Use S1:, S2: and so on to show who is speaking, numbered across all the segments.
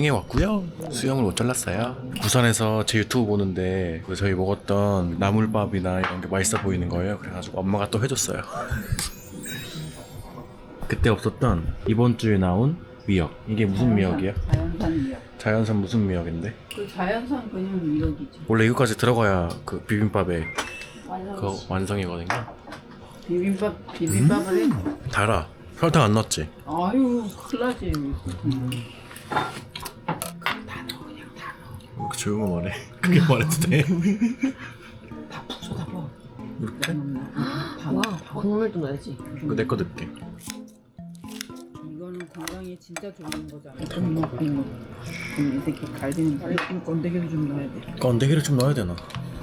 S1: 수영해 왔고요. 수영을 못 잘랐어요. 부산에서 제 유튜브 보는데 저희 먹었던 나물밥이나 이런 게 맛있어 보이는 거예요. 그래가지고 엄마가 또 해줬어요. 그때 없었던 이번 주에 나온 미역. 이게 무슨 미역이야?
S2: 자연산 미역.
S1: 자연산 무슨 미역인데?
S2: 그 자연산 그냥 미역이지.
S1: 원래 이거까지 들어가야 그 비빔밥에
S2: 완성.
S1: 그 완성이거든요.
S2: 비빔밥을 해.
S1: 달아. 설탕 안 넣었지?
S2: 아유 큰일 나지. 다 넣어 그냥 다 넣어.
S1: 이렇게 조용히 말해. 그게 말해도 돼?
S2: 다 부숴 다 먹어.
S1: 이렇게?
S3: 와, 국물도 넣어야지.
S1: 내 거 넣을게.
S2: 이거는 건강에 진짜 좋은 거잖아. 좀 먹고 이 새끼 갈비는 건더기를 좀 넣어야 돼.
S1: 건더기를 좀 넣어야 되나?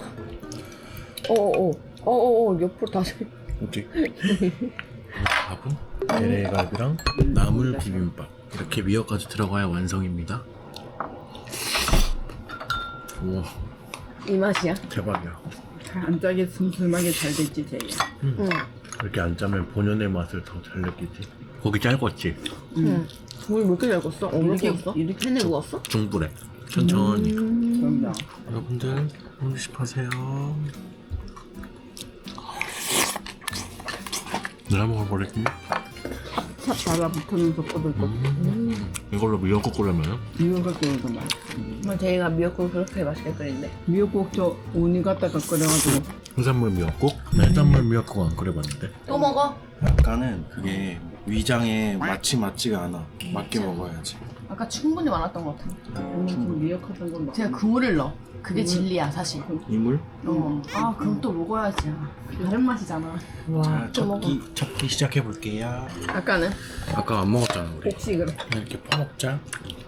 S3: 옆으로 다시.
S1: 어디? 밥은 LA갈비랑 나물 비빔밥 이렇게 미역까지 들어가야 완성입니다. 우와
S3: 이 맛이야?
S1: 대박이야.
S2: 안 짜게 슴슴하게 잘 됐지 쟤.
S3: 응.
S1: 이렇게 안 짜면 본연의 맛을 더 잘 느끼지. 고기 짧았지?
S3: 물 몇 개 얇았어?
S2: 이렇게-
S3: 이렇게 구웠어?
S2: 이렇게
S3: 팬에 구웠어?
S1: 중불에 천천히.
S2: 그럼요.
S1: 여러분들 음식하세요. 내가 먹어버렸니?
S2: 찹 달라붙으면서 꼬들꼬들.
S1: 이걸로 미역국 끓여면
S2: 미역국 끓여도 맛있어.
S3: 정말 제이가 미역국을 그렇게 맛있게 끓인대.
S2: 미역국 저 오니 갖다가 끓여가지고
S1: 해산물 미역국? 나 해산물 미역국 안 끓여봤는데.
S3: 또 먹어?
S1: 약간은 그게 위장에 맞지가 않아. 맞게 먹어야지.
S3: 아까 충분히 많았던 것 같아.
S2: 좀 미역하던 건
S3: 제가 그물을 넣어. 그게 진리야 사실.
S1: 이물?
S3: 아 그럼 또 먹어야지. 다른 맛이잖아.
S1: 자, 첫 끼 시작해 볼게요.
S3: 아까는?
S1: 아까 안 먹었잖아 우리.
S2: 혹시 그래.
S1: 이렇게 퍼먹자.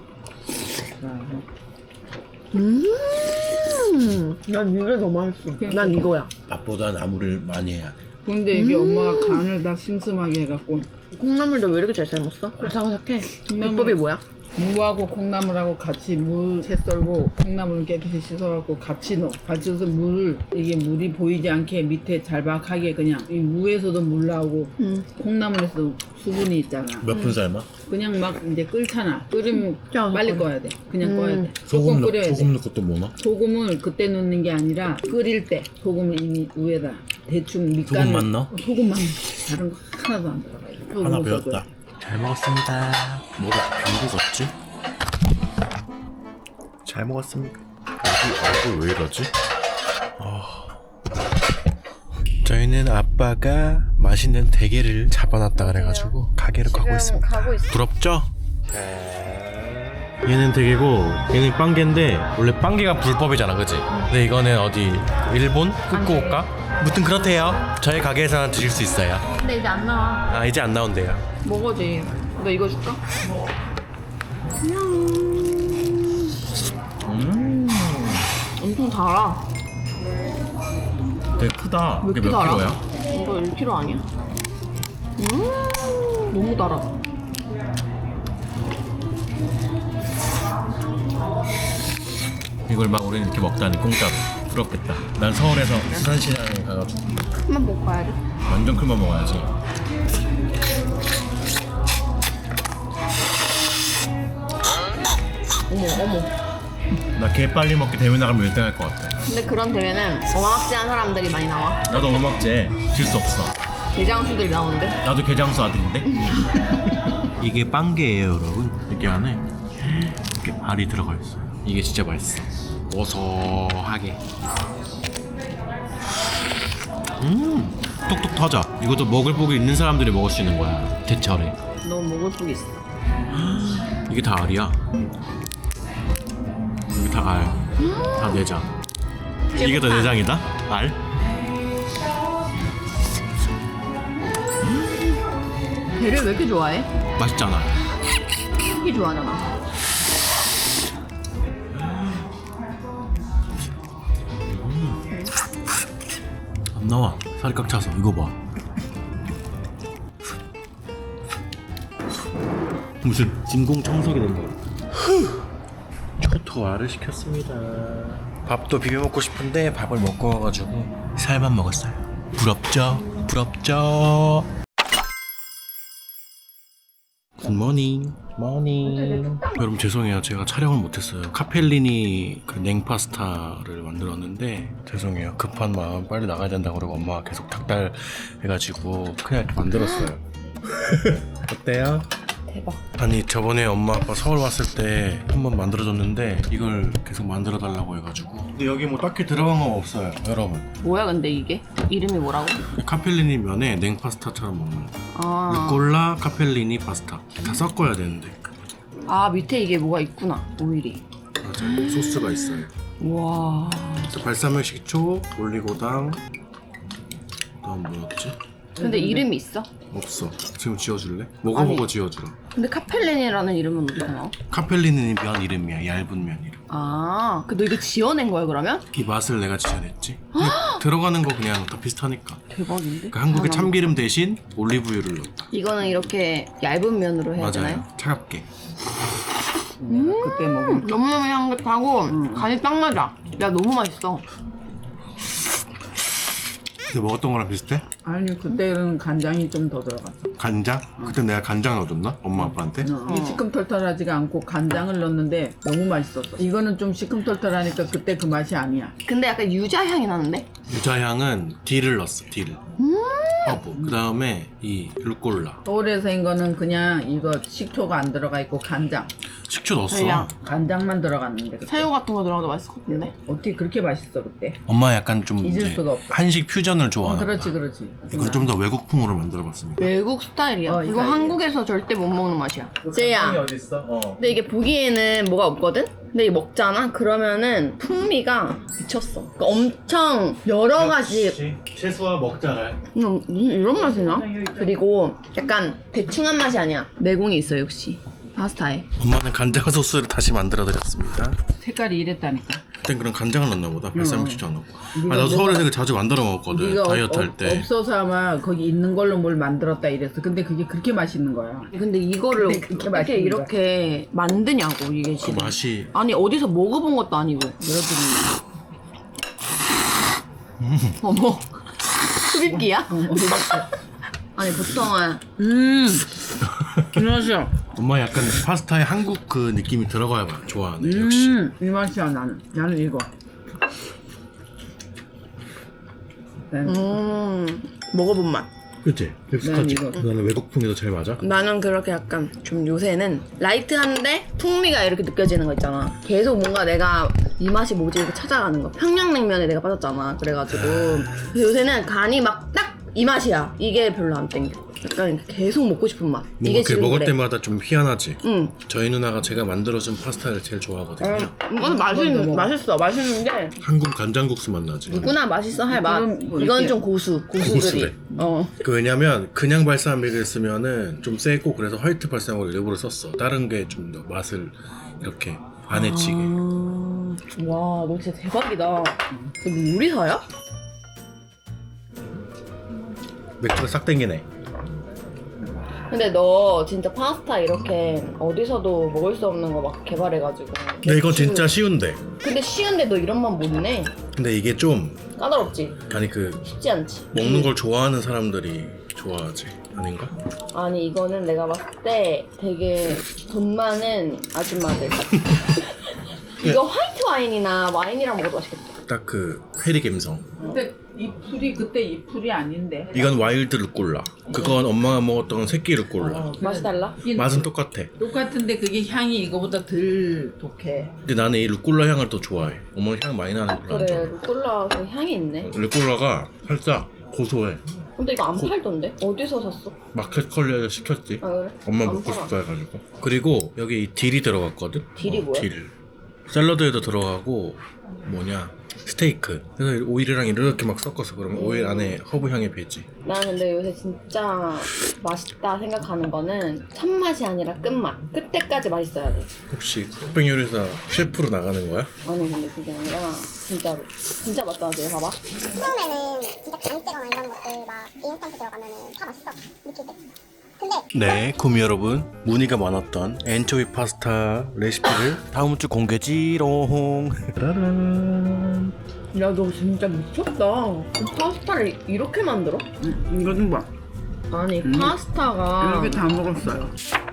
S3: 난 이게 더 맛있어. 난 이거야.
S1: 밥보다 나물을 많이 해야 돼.
S2: 근데 이게 엄마가 간을 다 슴슴하게 해갖고
S3: 콩나물도 왜 이렇게 잘 삶았어? 아삭아삭해.
S2: 콩나물.
S3: 비법이 뭐야?
S2: 무하고 콩나물하고 같이 물 채 썰고 콩나물을 깨끗이 씻어갖고 같이 넣어. 같이 넣어서 이게 물이 보이지 않게 밑에 잘박하게 그냥 이 무에서도 물 나오고 콩나물에서도 수분이 있잖아.
S1: 몇 분 삶아?
S2: 그냥 막 이제 끓잖아. 끓으면
S3: 짜,
S2: 빨리
S3: 그래.
S2: 꺼야 돼. 그냥 꺼야 돼.
S1: 소금
S2: 끓여야 돼.
S1: 소금 넣고 또 뭐 넣어?
S2: 소금을 그때 넣는 게 아니라 끓일 때 소금을 이미 위에다 대충 밑간을
S1: 소금만 넣어?
S2: 소금만 넣어. 다른 거 하나도 안 들어가.
S1: 하나
S2: 소금을
S1: 배웠다.
S2: 써줘야 돼.
S1: 잘 먹었습니다. 뭐가 빈국 같지? 잘 먹었습니다. 얼굴 왜 이러지? 저희는 아빠가 맛있는 대게를 잡아놨다 그래가지고 가게로 가고 있습니다.
S3: 가고 있어.
S1: 부럽죠? 얘는 대게고 얘는 빵게인데 원래 빵게가 불법이잖아, 그치? 근데 이거는 어디 일본 후쿠오카? 무튼 그렇대요. 저희 가게에서는 드실 수 있어요.
S3: 근데 이제 안 나와.
S1: 아 이제 안 나온대요.
S3: 먹어지. 너 이거 줄까? 엄청 달아.
S1: 되게 크다.
S3: 몇
S1: 이게
S3: 킬로
S1: 몇
S3: 알아?
S1: 킬로야?
S3: 이거 1kg 아니야? 너무 달아.
S1: 이걸 막 우리는 이렇게 먹다니 공짜로. 부럽겠다. 난 서울에서 수산시장에 가가지고
S3: 한번 먹어야지.
S1: 완전 큰만 먹어야지.
S3: 어머.
S1: 나 개 빨리 먹기 대회 나가면 1등 할 것 같아.
S3: 근데 그런 대회는 어마어마한 사람들이 많이 나와.
S1: 나도 어묵제 질 수 없어.
S3: 대장수들이 나오는데.
S1: 나도 게장수 아들인데. 이게 빵게예요, 여러분. 이게 안에 이렇게 알이 들어가 있어요. 이게 진짜 맛있어. 고소하게. 톡톡 터져. 이것도 먹을 복이 있는 사람들이 먹을 수 있는 거야. 대철에.
S3: 너 먹을 복 있어.
S1: 이게 다 알이야. 이게 다 알. 다 내장. 이게 다 내장이다? 알?
S3: 배를 왜 이렇게 좋아해?
S1: 맛있잖아.
S3: 되게 좋아하잖아.
S1: 안 나와. 살이 꽉 차서. 이거 봐. 무슨 진공청소기 된 거. 초토화를 시켰습니다. 밥도 비벼 먹고 싶은데 밥을 먹고 와가지고 살만 먹었어요. 부럽죠? 부럽죠? 굿모닝. 모닝. 여러분 죄송해요. 제가 촬영을 못했어요. 카펠리니 그 냉파스타를 만들었는데 죄송해요. 급한 마음 빨리 나가야 된다고 그러고 엄마가 계속 닥달해가지고 그냥 이렇게 만들었어요. 어때요?
S3: 대박.
S1: 아니 저번에 엄마 아빠 서울 왔을 때 한번 만들어줬는데 이걸 계속 만들어 달라고 해가지고 근데 여기 뭐 딱히 들어간 건 없어요 여러분.
S3: 뭐야 근데 이게? 이름이 뭐라고?
S1: 카펠리니 면에 냉파스타처럼 먹는 거.
S3: 아,
S1: 루꼴라 카펠리니 파스타 다 섞어야 되는데
S3: 아 밑에 이게 뭐가 있구나. 오일이.
S1: 맞아요. 소스가 있어요.
S3: 와.
S1: 발사믹 식초, 올리고당 그다음 뭐였지?
S3: 근데 이름이 있어?
S1: 없어. 지금 지어줄래? 먹어보고
S3: 아니.
S1: 지어주라.
S3: 근데 카펠린이라는 이름은 어디서 나와?
S1: 카펠리니 면 이름이야. 얇은 면 이름.
S3: 아, 그 너 이거 지어낸 거야 그러면?
S1: 이 맛을 내가 지어냈지. 들어가는 거 그냥 다 비슷하니까.
S3: 대박인데?
S1: 그러니까 한국의
S3: 아,
S1: 참기름 대신 올리브유를 넣었다.
S3: 이거는 이렇게 얇은 면으로 해야 되나요?
S1: 맞아요. 차갑게.
S2: 그때 먹은
S3: 너무너무 향긋하고 간이 딱 맞아. 야 너무 맛있어.
S1: 근데 먹었던 거랑 비슷해?
S2: 아니 그때는 간장이 좀 더 들어갔어.
S1: 간장? 그때 내가 간장 넣어줬나? 엄마 아빠한테?
S2: 이게 시큼털털하지가 않고 간장을 넣었는데 너무 맛있었어. 이거는 좀 시큼털털하니까 그때 그 맛이 아니야.
S3: 근데 약간 유자 향이 나는데?
S1: 유자향은 딜을 넣었어. 딜. 허브. 그 다음에 이 루꼴라.
S2: 서울에서 인 거는 그냥 이거 식초가 안 들어가 있고 간장.
S1: 식초 넣었어.
S3: 그냥.
S2: 간장만 들어갔는데 그때.
S3: 새우 같은 거 들어가도 맛있을 것 같은데?
S2: 어떻게 그렇게 맛있어 그때?
S1: 엄마 약간 좀
S2: 잊을
S1: 이제
S2: 수가 없어.
S1: 한식 퓨전을 좋아하나
S2: 그렇지
S1: 보다.
S2: 그렇지.
S1: 이걸 좀 더 외국풍으로 만들어봤습니다.
S3: 외국 스타일이야.
S2: 어,
S3: 이거
S2: 이거
S3: 한국에서 절대 못 먹는 맛이야. 제야.
S1: 어딨어?
S3: 근데 이게 보기에는 뭐가 없거든? 근데 이게 먹잖아? 그러면은 풍미가 미쳤어. 그러니까 엄청 여러 가지
S1: 채소와 먹자랄.
S3: 무슨 이런 맛이 나? 그리고 약간 대충한 맛이 아니야. 내공이 있어 역시 파스타에.
S1: 엄마는 간장 소스를 다시 만들어드렸습니다.
S2: 색깔이 이랬다니까.
S1: 그땐 그런 간장을 넣나 보다. 발사믹 식초 안 넣고.
S2: 네가
S1: 나도
S2: 뭐가-
S1: 서울에서 이거 자주 만들어 먹었거든.
S2: 네가
S1: 다이어트 할 때.
S2: 없어서 아마 거기 있는 걸로 뭘 만들었다 이랬어. 근데 그게 그렇게 맛있는 거야.
S3: 근데 이거를
S2: 근데 그렇게
S3: 어떻게
S2: 맛있는
S3: 이렇게 만드냐고 이게
S1: 그
S3: 지금.
S1: 맛이
S3: 아니 어디서 먹어본 것도 아니고. 어머 흡입기야? 아니 보통은
S2: 이 맛이야.
S1: 엄마 약간 파스타에 한국 그 느낌이 들어가야 좋아하네. 역시.
S2: 이 맛이야 나는. 나는 이거.
S3: 먹어본 맛.
S1: 그치? 익숙하지?
S2: 난 이거.
S1: 나는 외국풍이 더 잘 맞아.
S3: 나는 그렇게 약간 좀 요새는 라이트한데 풍미가 이렇게 느껴지는 거 있잖아. 계속 뭔가 내가 이 맛이 뭐지 이렇게 찾아가는 거. 평양냉면에 내가 빠졌잖아. 그래가지고 그래서 요새는 간이 막 딱 이 맛이야. 이게 별로 안 땡겨. 약간 계속 먹고 싶은 맛.
S1: 뭔가
S3: 이게
S1: 그
S3: 지금
S1: 먹을
S3: 그래.
S1: 때마다 좀 희한하지?
S3: 응.
S1: 저희 누나가 제가 만들어준 파스타를 제일 좋아하거든요.
S3: 이건 맛있어. 맛있는데
S1: 한국 간장국수 맛 나지?
S3: 누구나 맛있어 할 맛.
S2: 그럼 뭐
S3: 이건
S2: 이렇게-
S3: 좀 고수들이.
S1: 고수래.
S3: 그
S1: 왜냐면 그냥 발사믹을 쓰면은 좀 세고 그래서 화이트 발사믹을 일부러 썼어. 다른 게 좀 더 맛을 이렇게 안 해치게.
S3: 와, 너 진짜 대박이다. 너 요리사야?
S1: 맥주가 싹 땡기네.
S3: 근데 너 진짜 파스타 이렇게 어디서도 먹을 수 없는 거 막 개발해가지고.
S1: 근데 이건 진짜 쉬운데.
S3: 근데 쉬운데 너 이런 맛 못내.
S1: 근데 이게 좀
S3: 까다롭지?
S1: 아니 그
S3: 쉽지 않지?
S1: 먹는 걸 좋아하는 사람들이 좋아하지 아닌가?
S3: 아니 이거는 내가 봤을 때 되게 돈 많은 아줌마들 같아. 이거 화이트 와인이나 와인이랑 먹어도 맛있겠다.
S1: 딱 그 페리 감성.
S2: 근데 이 풀이 그때 이 풀이 아닌데.
S1: 이건 와일드 루꼴라. 그건 엄마가 먹었던 새끼 루꼴라.
S3: 맛이 달라?
S1: 맛은 똑같아.
S2: 똑같은데 그게 향이 이거보다 덜 독해.
S1: 근데 나는 이 루꼴라 향을 더 좋아해. 엄마 향 많이 나는 걸로 안
S3: 그래,
S1: 좋아해.
S3: 루꼴라 그 향이 있네.
S1: 루꼴라가 살짝 고소해.
S3: 근데 이거 안 팔던데? 어디서 샀어?
S1: 마켓 컬리에서 시켰지.
S3: 아 그래?
S1: 엄마
S3: 안
S1: 먹고
S3: 팔아.
S1: 싶다 해가지고. 그리고 여기 이 딜이 들어갔거든.
S3: 딜이 뭐야?
S1: 딜. 샐러드에도 들어가고 뭐냐 스테이크. 그래서 오일이랑 이렇게 막 섞어서 그러면 오일 안에 허브 향이 배지.
S3: 나 근데 요새 진짜 맛있다 생각하는 거는 첫 맛이 아니라 끝맛. 끝때까지 맛있어야 돼.
S1: 혹시 흑백 요리사 셰프로 나가는 거야?
S3: 아니 근데 그게 아니라 진짜로 진짜 맛있다. 봐봐.
S4: 처음에는 진짜 간때거나 이런 것들 막 인스턴트 들어가면은 다 맛있어 느낄 때. 근데
S1: 네, 구미 여러분, 문의가 많았던 엔초비 파스타 레시피를 다음 주 공개지롱. 짜라란.
S3: 야 너 진짜 미쳤다. 파스타를 이렇게 만들어?
S2: 이거 좀 봐.
S3: 아니 파스타가
S2: 이렇게 다 먹었어요.